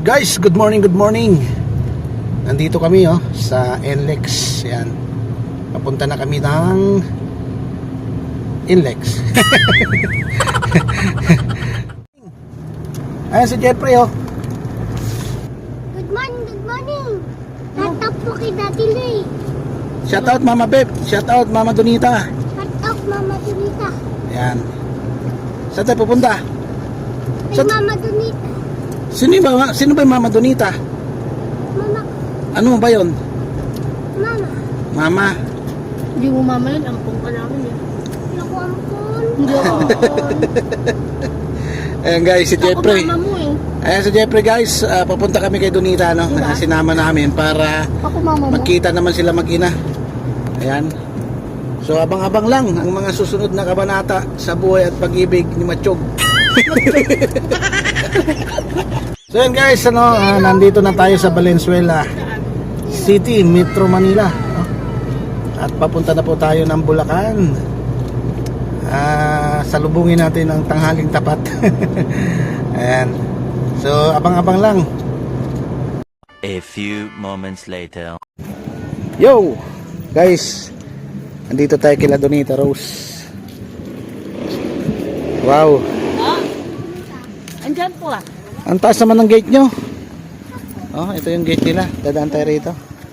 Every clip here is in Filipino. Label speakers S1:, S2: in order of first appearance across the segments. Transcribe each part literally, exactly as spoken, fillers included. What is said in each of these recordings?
S1: Guys, good morning, good morning. Nandito kami oh sa N L E X. Yan. Papunta na kami ng N L E X. Ayan si Jeffrey oh.
S2: Good morning, good morning. Shout out po kay Daddy Lay.
S1: Shout out Mama Beb. Shout out Mama Donita.
S2: Shout out Mama Donita.
S1: Yan. Saan tayo pupunta?
S2: Kay
S1: Sa-
S2: Mama Donita.
S1: Sino ba, sino ba yung Mama Donita?
S2: Mama,
S1: Ano ba yon?
S2: Mama.
S1: Mama.
S3: Hindi mo mama yun, ampong ka namin eh.
S2: Hindi ako ampun.
S3: Hindi ako.
S1: Ayan guys, si Jeffrey.
S3: Ako mama mo eh.
S1: Ayan si Jeffrey guys. Ah, papunta kami kay Donita no?
S3: Diba?
S1: Sinama namin para
S3: Ako mama mo.
S1: magkita naman sila mag-ina. Ayan. So abang-abang lang ang mga susunod na kabanata sa buhay at pag-ibig ni Machog. So yan guys, ano, ah, nandito na tayo sa Valenzuela City, Metro Manila, no? At papunta na po tayo ng Bulacan. Ah, salubungin natin ang tanghaling tapat. Ayan. So abang-abang lang.
S4: A few moments later.
S1: Yo! Guys, andito tayo kila Donita Rose. Wow!
S3: Andyan po ah.
S1: Ang taas naman ng gate nyo. Oh, ito yung gate nila. Dadaan tayo rito.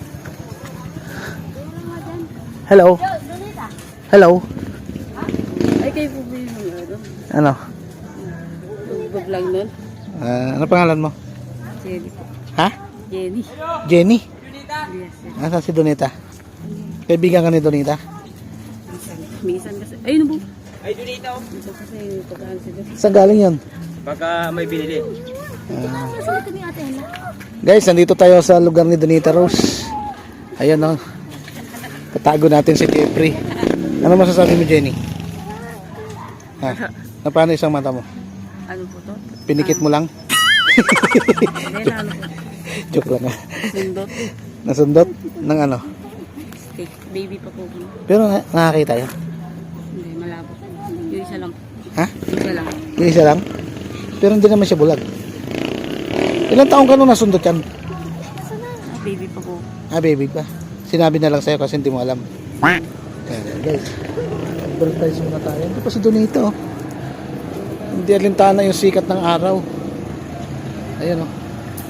S1: Hello. Hello.
S3: Ay kayo po ba yung ano?
S1: Ano?
S3: Nagbablog nun?
S1: Ah, ano pangalan mo?
S3: Jenny po.
S1: Ha?
S3: Jenny.
S1: Jenny.
S3: Yes, yes.
S1: Nasaan si Donita? Kaibigan ka ni Donita?
S3: Minsan. Minsan kasi. Ayun po. Ay, Donita oh. Minsan kasi pagkaan sila.
S1: Saan galing yun?
S5: Baka may binili.
S2: Nasaan kami ate Ella?
S1: Guys, nandito tayo sa lugar ni Donita Rose. Ayan oh. Tatago natin si Jeffrey. Ano masasabi mo, Jenny? Ha? Na paano isang mata mo?
S3: Ano po to?
S1: Pinikit mo lang?
S3: Hindi na ano po.
S1: Joke lang ah.
S3: Sundot.
S1: Nasundot ng ano?
S3: Steak. Baby pa po.
S1: Pero na nakakita yun.
S3: Hindi, malabo. Yung isa lang.
S1: Ha?
S3: Isa lang.
S1: Yung isa lang? Pero hindi naman siya bulag. Ilang taong ka nung nasundot yan?
S3: Ah, baby pa po.
S1: Ah, baby pa. Sinabi na lang sa'yo kasi hindi mo alam. Ayan, guys. Advertise muna tayo. Ito pa si Donita oh. Hindi alintana yung sikat ng araw. Ayan oh.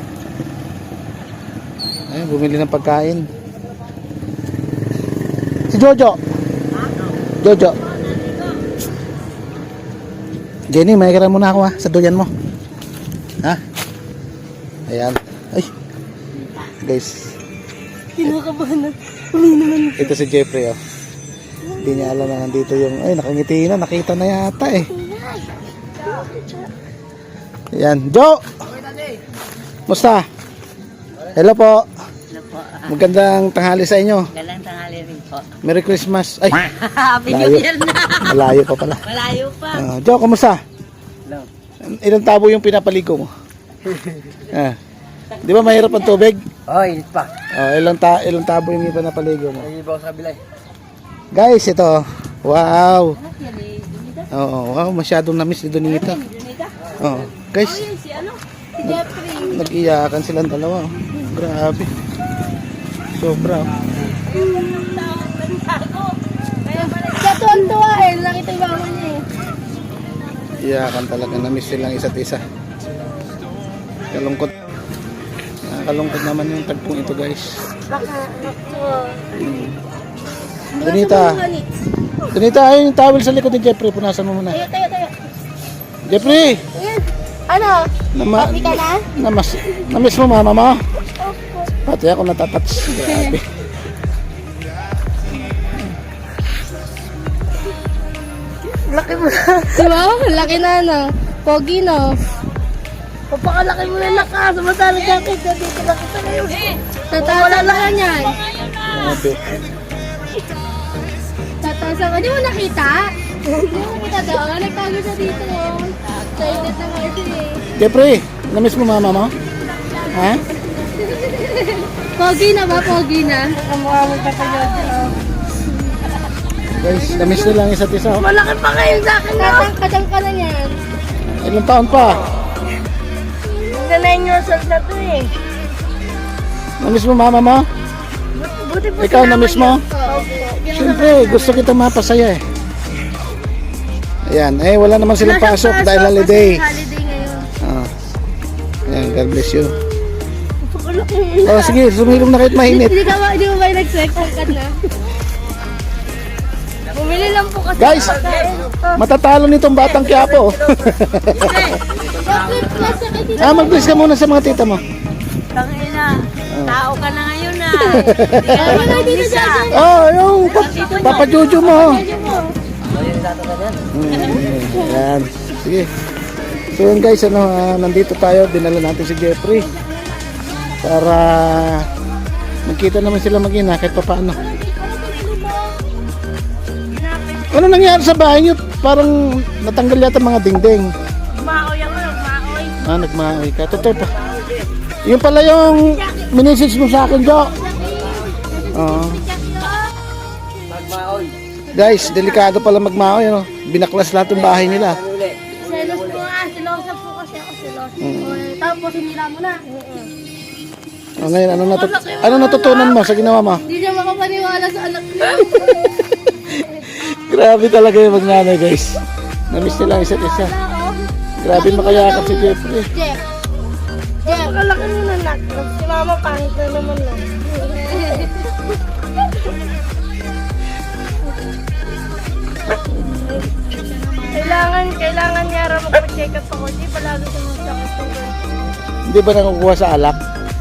S1: Ayan, bumili ng pagkain. Si Jojo. Jojo. Jenny, may kira muna ako ha, sa duyan mo. Ha? Ayan. Ay. Guys.
S3: Kinakabahan na. Uli naman.
S1: Ito si Jeffrey oh. Hindi niya alam na nandito yung, ay nakangiti na, nakita na yata eh. Ayan. Jo! Musta? Hello po.
S3: Ano po?
S1: Magandang tanghali sa inyo.
S3: Galang tanghali rin po.
S1: Merry Christmas. Ay,
S3: Happy New
S1: layo.
S3: Year na.
S1: Malayo pa pala.
S3: Malayo pa.
S1: Uh, Jo, kumusta?
S5: Hello.
S1: Ilang tabo yung pinapaligo mo? Ah. Di ba mahirap ang tubig?
S5: Oh, init pa.
S1: Oh, ilang, ta ilang tabo yung pinapaligo mo?
S5: Nag-ibaw sa kabila eh.
S1: Guys, ito. Wow. Oo, wow, masyadong na-miss ni Donita. Oo. Guys,
S3: Si ano? Si Jeffrey.
S1: nag-iyakan silang dalawa. Oh. Grabe. Sobra. Oh.
S3: Katuan-tuwa eh. Nakita yung mama niya eh.
S1: Iyakan talaga. Na-miss silang isa't isa. Kalungkot. Nakakalungkot naman yung tagpong ito guys. Hmm. Donita. Donita, ayun yung towel sa likod ni Jeffrey. Punasan mo muna.
S3: Tayo, tayo, tayo.
S1: Jeffrey!
S3: Ayan. Ano?
S1: Nama,
S3: Happy ka na?
S1: namas, namiss mo mama mo? Pati ako natatouch. Grabe.
S3: Laki mo na. Diba? Laki na ano. Pogi no. Papakalaki mo na laka. Samantala jacket. Dito lang kita ngayon. Tatasa lang ka niyan.
S1: Grabe.
S3: Tatasa ka. Di mo nakita? Di mo nakita doon? Nagtago siya dito. Excited na kasi eh.
S1: Jeffrey, namiss mo mama mo? Ha?
S3: Pogi na ba? Pogi na? Kamukha mo pa kayo.
S1: Guys, namiss nila ang isa't isa. Oh.
S3: Malaki pa kayo sa akin. Katang-katang ka na yan.
S1: Ilang taon pa?
S3: Ganda nine years old na to eh.
S1: Namiss mo mama mo?
S3: Buti po
S1: Ikaw
S3: sinama
S1: namiss
S3: niyo.
S1: mo?
S3: Opo.
S1: Siyempre, gusto kita mapasaya eh. Ayan, eh wala naman silang
S3: Wala siyang
S1: pasok dahil holiday.
S3: Kasi holiday ngayon.
S1: Ah. Ayan, God bless you.
S3: Pakulok.
S1: Oh, sige, sumilong na kahit mainit.
S3: Hindi ka ba, hindi mo ba nag-check ka na? Bumili lang po kasi.
S1: Guys, matatalo nitong batang Quiapo.
S3: Chocolate plus sa kitty.
S1: Ah, mag-bless ka muna sa mga tita mo.
S3: Tangina. Tao ka na ngayon na. Hindi ka naman umisa.
S1: Oh, yung pa- Papa Jojo mo. Hmm, ayan. Sige. So yun guys, ano, ah, nandito tayo, dinala natin si Jeffrey para magkita naman sila mag-ina kahit pa paano. Ano nangyari sa bahay niyo? Parang natanggal yata mga dingding.
S3: Maoy ako, maoy.
S1: Ah, nagmaoy ka. Totoo pa. Yung pala yung minisage mo sa akin, Jo. Oo.
S5: Magmaoy.
S1: Guys, delikado pala magmaoy, ano? Binaklas lahat ng bahay nila.
S5: Ano uli?
S3: Selos po nga, silosa po kasi ako silosa.
S1: Mm.
S3: Tapos hinila mo na.
S1: Oh, ngayon, ano, natut ano natutunan mo sa ginawa mo?
S3: Hindi siya makapaniwala sa anak niya.
S1: Grabe talaga yung magnanay, guys. Namiss nila ang isa't isa. Grabe makayakap si Jeffrey.
S3: Jeff. Jeff. Pakalaki mo na nak. Si mama pangit na naman lang. Kailangan, kailangan niya raw magpa-check up ako. Di palagi siya masakit ng ganito.
S1: Hindi ba nakukuha sa alak?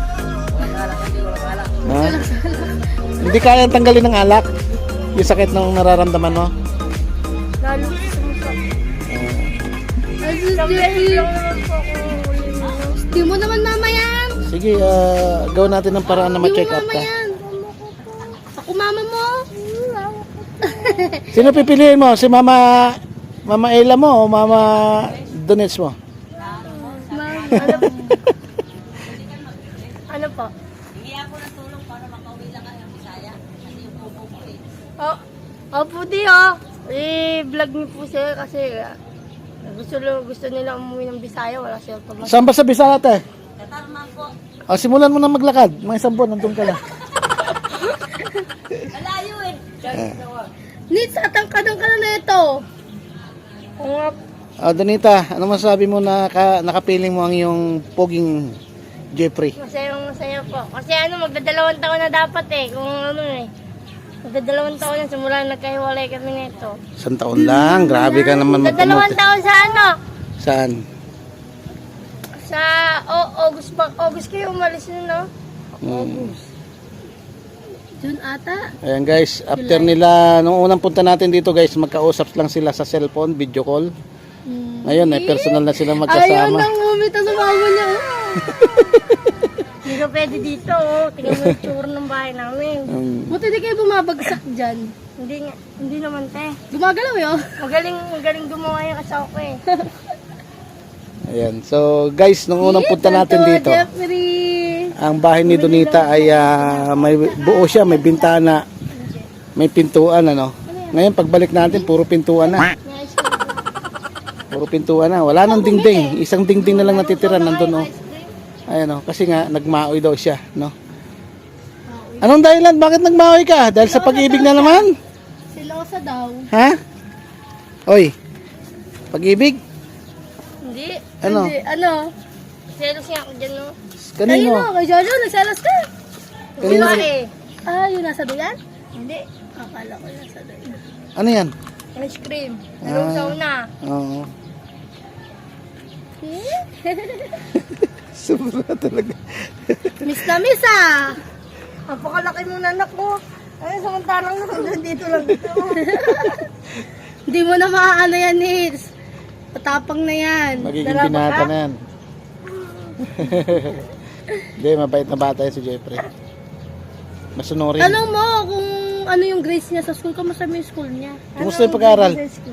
S1: Ha? Hindi kayang tanggalin ng alak? Yung sakit na nararamdaman mo?
S3: Lalo ko sumasakit. Ay, sus, Jeffrey. lang naman po ako huli mo. Di mo naman mama yan.
S1: Sige, ah, gawin natin ng paraan na
S3: Di mo
S1: ma-check up
S3: mama
S1: ka.
S3: yan. Ako mama mo.
S1: Sino pipiliin mo? Si Mama Mama Ella mo o Mama Donets mo?
S3: Mama, ano po? Ano po? Oh, oh puti oh. I-vlog niyo po sila kasi ah, gusto, gusto nila umuwi ng Bisaya, wala silang pamasa.
S1: Saan ba sa Bisaya te? O, simulan mo na maglakad. Mga isang buwan, nandun ka na.
S3: Nits, atangkadang ka na na ito. Oo nga.
S1: O, Donita, ano masabi mo na ka, nakapiling mo ang iyong poging Jeffrey?
S3: Masayang masaya po. Kasi ano, magdadalawang taon na dapat eh. Kung ano eh. Magdadalawang taon na simula nagkahiwalay kami nito.
S1: Isang taon lang. Grabe ka naman
S3: Magdadalawang
S1: magpamuti.
S3: taon sa ano?
S1: Saan?
S3: Sa oh, August pa. August kayo umalis nun, no?
S1: Hmm.
S3: June ata.
S1: Ayan guys, after nila, nung unang punta natin dito guys, magkausap lang sila sa cellphone, video call. Ngayon, ay personal na sila
S3: Ayaw
S1: magkasama.
S3: nang umita sa mama niya. oh. Hindi ka pwede dito, oh. Tingnan mo yung tsura ng bahay namin.
S1: Um,
S3: Buti di kayo bumabagsak dyan. Hindi nga, hindi naman, te. Gumagalaw yun. Magaling, magaling gumawa yung asawa ko eh.
S1: ayan. So guys, nung unang punta natin
S3: Ito,
S1: dito,
S3: Jeffrey.
S1: ang bahay ni Donita ay ah, may buo siya, may bintana, may pintuan, ano. Ngayon, pagbalik natin, puro pintuan na. Puro pintuan na. Wala nang dingding. Isang dingding na lang natitira nandun, oh. Ayan, oh. Kasi nga, nagmaoy daw siya, no? Anong dahilan? Bakit nagmaoy ka? Dahil sa pag-ibig na naman?
S3: Silosa daw.
S1: Ha? Oy, pag-ibig?
S3: Hindi.
S1: Ano?
S3: Hindi. Ano? Selos nga ako dyan, no?
S1: Kanino?
S3: Kanino? Kay Jojo, nagselos ka.
S1: Kanino?
S3: Sino eh? Ah, yung nasa doyan? Hindi. Akala ko yung nasa doyan.
S1: Ano yan?
S3: Ice cream. Anong
S1: Ah.
S3: sauna?
S1: Oo. Sobra talaga.
S3: Miss na miss ah! Napakalaki mo na anak ko. Ay, samantalang nakaganda dito lang ito. Hindi mo na maaano yan, Nils. Patapang na yan.
S1: Magiging
S3: Dalawa
S1: pinata
S3: ka?
S1: na yan. Hindi, mabait na bata yan si Jeffrey. Masunurin.
S3: Tanong mo kung ano yung grades niya sa school. Kamusta mo yung school niya?
S1: Kumusta yung pag-aaral?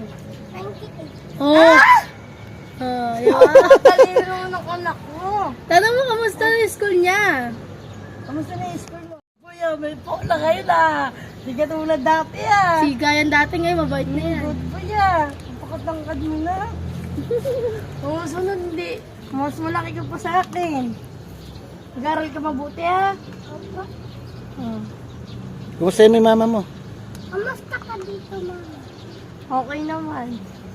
S3: Oh! Ah, yun. Talino ng anak mo. Tanong mo kamusta yung school niya? Kamusta na yung school mo? Kuya, may pola kayo na. Hindi ka tulad dati ah. Si Gayan dati ngayon, mabait na yan. Good po ya. Pakatangkad mo na. Oo, sunod hindi. Mas malaki ka pa sa akin. Mag-aral ka mabuti ha.
S2: Opo.
S3: Hmm.
S1: Kumusta yung mama mo?
S2: Kamusta ka dito, mama?
S3: Okay naman.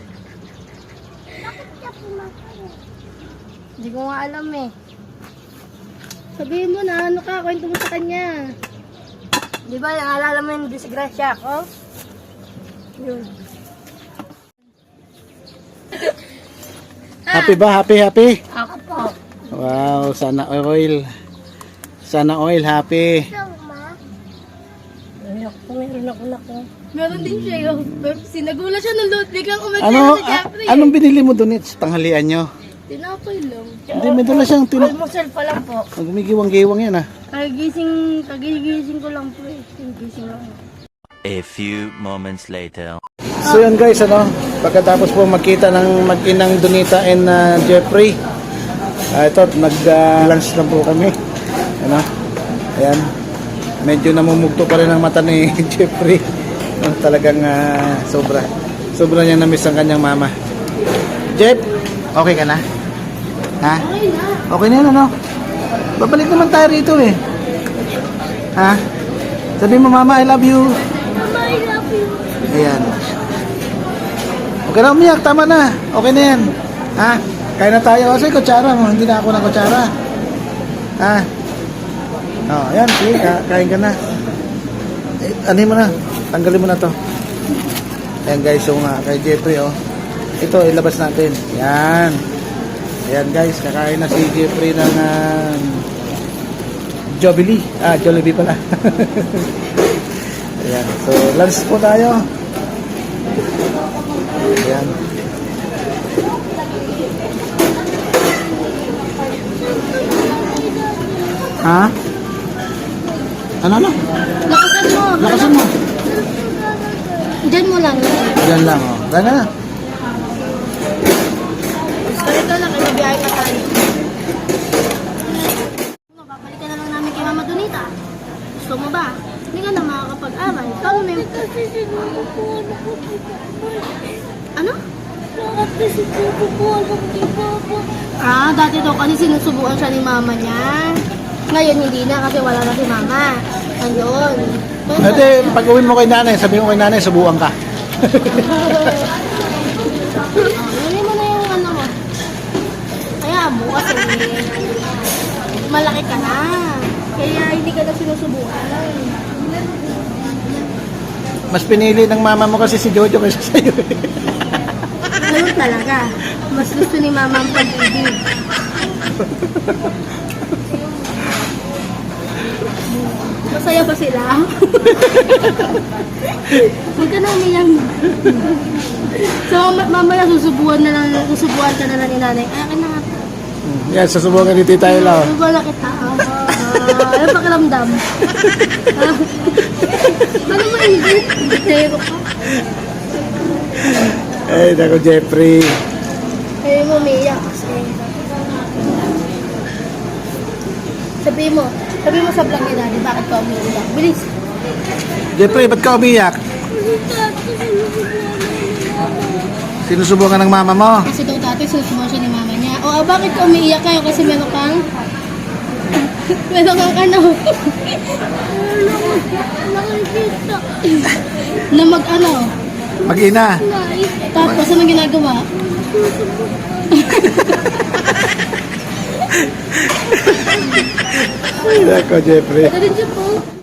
S2: Bakit ka pumatay?
S3: Hindi ko nga alam eh. Sabihin mo na, ano ka, kwento mo sa kanya. Di ba, naalala mo yung disgrasya ko? Yun.
S1: Happy ba? Happy, happy?
S3: Ako po.
S1: Wow, sana oil. Sana oil, happy.
S2: Ito, ma.
S3: Ayak po, meron ako na ko. Meron din siya yung Pepsi. Nagulat siya nung load. Biglang umatya
S1: Ano,
S3: na sa
S1: a-
S3: Jeffrey.
S1: anong binili mo doon sa tanghalian nyo?
S3: Tinapay lang.
S1: Hindi, may dala siyang tin...
S3: Almusal pa lang po.
S1: Gumigiwang-giwang yan ah.
S3: Kagising, kagigising ko lang po eh. Kagising lang.
S4: A few moments later.
S1: So yun guys, ano, pagkatapos po magkita ng mag-inang Donita and uh, Jeffrey, ah, ito, nag-lunch lang po kami. Ano, ayan, medyo namumugto pa rin ang mata ni Jeffrey. Ano, talagang ah, sobra. Sobra niya na-miss ang kanyang mama. Jeff, okay ka na? Ha?
S3: Okay na.
S1: Okay na yan, ano? Babalik naman tayo rito eh. Ha? Sabi mo, mama, I love you.
S2: Mama, I love you.
S1: Ayan. Okay na umiyak, tama na. Okay na yan. Ha? Kain na tayo. Kasi kutsara mo, hindi na ako ng kutsara. Ha? Oh, ayan, sige, ka- kain ka na. Eh, ano mo na? Tanggalin mo na to. Ayan guys, yung uh, kay Jeffrey, oh. Ito, ilabas natin. Ayan. Ayan guys, kakain na si Jeffrey ng uh, Jollibee. Ah, Jollibee pala. Ayan. So, lunch po tayo. Ayan. Ha? Ano na?
S3: Lakasan mo.
S1: Lakasan mo.
S3: Diyan mo lang.
S1: Diyan lang, oh. Diyan na.
S3: Sorry ka lang, kinabiyahe ka tayo. Babalik ka na lang namin kay Mama Donita. Gusto mo ba? Hindi ka na makakapag-aral. Ikaw na yung...
S2: Kasi sinubo ko, ano ko di
S3: Ano?
S2: Bakit kasi sinubo ko, ano ko di Papa?
S3: Ah, dati daw kasi sinusubukan siya ni Mama niya. Ngayon hindi na kasi wala na si Mama. Ayun.
S1: Ate, pag uwi mo kay nanay, sabi mo kay nanay, subukan ka.
S3: Ano mo na yung ano mo. Kaya bukas eh. Malaki ka na. Kaya hindi ka na sinusubukan.
S1: Mas pinili ng mama mo kasi si Jojo kaysa sa'yo.
S3: Ganun talaga. Mas gusto ni Mama ang pag-ibig. Masaya ba sila? Huwag ka na umiyak. So, ma- mamaya susubuan na lang, susubuan ka na lang ni nanay. Akin na nga.
S1: Yan, susubukan ni Tita Ella.
S3: Susubuan na kita. Ah, ano pakiramdam? Ah, ano ba hindi? Zero ka.
S1: Ay, nako Jeffrey.
S3: Ayaw mo umiyak kasi. Sabi mo, sabi mo sa vlog ni Daddy, bakit ka umiyak? Bilis.
S1: Jeffrey, ba't ka umiyak? Sinusubukan ng mama mo.
S3: Kasi daw dati susubukan siya ni mama niya. O, ah, bakit ka umiiyak kayo? Kasi meron kang... meron kang ano?
S2: Nakikita.
S3: na mag ano?
S1: Mag-ina.
S3: Tapos anong ginagawa?
S1: Ay, nako Jeffrey.
S3: Ito din siya po.